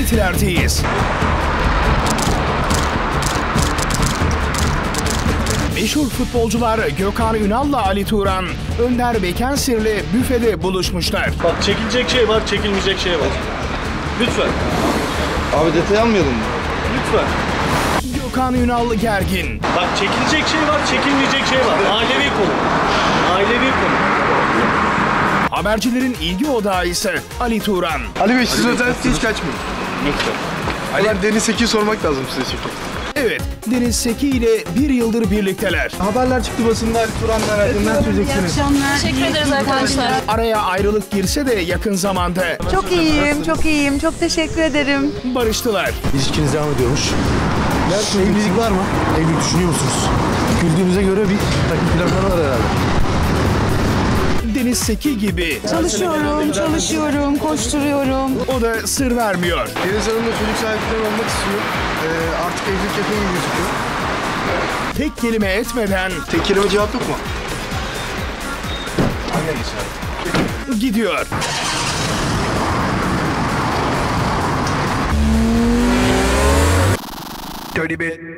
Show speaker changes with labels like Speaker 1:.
Speaker 1: Etiler'deyiz. Meşhur futbolcular Gökhan Ünal'la Ali Turan, Önder Bekensir'le büfede buluşmuşlar.
Speaker 2: Bak çekilecek şey var, çekilmeyecek şey var. Lütfen.
Speaker 3: Abi detay almayalım mı?
Speaker 2: Lütfen.
Speaker 1: Gökhan Ünal gergin.
Speaker 2: Bak çekilecek şey var, çekilmeyecek şey var. Ailevi konu. Ailevi konu.
Speaker 1: Habercilerin ilgi odağı ise Ali Turan.
Speaker 3: Ali Bey siz özellikle hiç kaçmayın.
Speaker 2: Lütfen.
Speaker 3: Ali Deniz Seki'yi sormak lazım size çünkü.
Speaker 1: Evet, Deniz Seki ile bir yıldır birlikteler.
Speaker 3: Haberler çıktı basında Ali Turan'la verdiğinden söyleyeceksiniz.
Speaker 4: Teşekkür ederiz arkadaşlar.
Speaker 1: Araya ayrılık girse de yakın zamanda
Speaker 5: Çok iyiyim, çok iyiyim. Çok teşekkür ederim.
Speaker 1: barıştılar.
Speaker 6: İlişkiniz devam ediyormuş. Evlilik var mı? Evlilik düşünüyor musunuz? Güldüğünüze göre bir takım planları var herhalde.
Speaker 1: Deniz Seki gibi
Speaker 5: Çalışıyorum, koşturuyorum.
Speaker 1: o da sır vermiyor.
Speaker 3: Deniz Hanım'la çocuk sahipleri olmak istiyor. Artık evlilik yapıyor gibi gözüküyor.
Speaker 1: Tek kelime etmeden
Speaker 3: Tek kelime cevap yok mu?
Speaker 1: gidiyor.
Speaker 3: Dirty bit.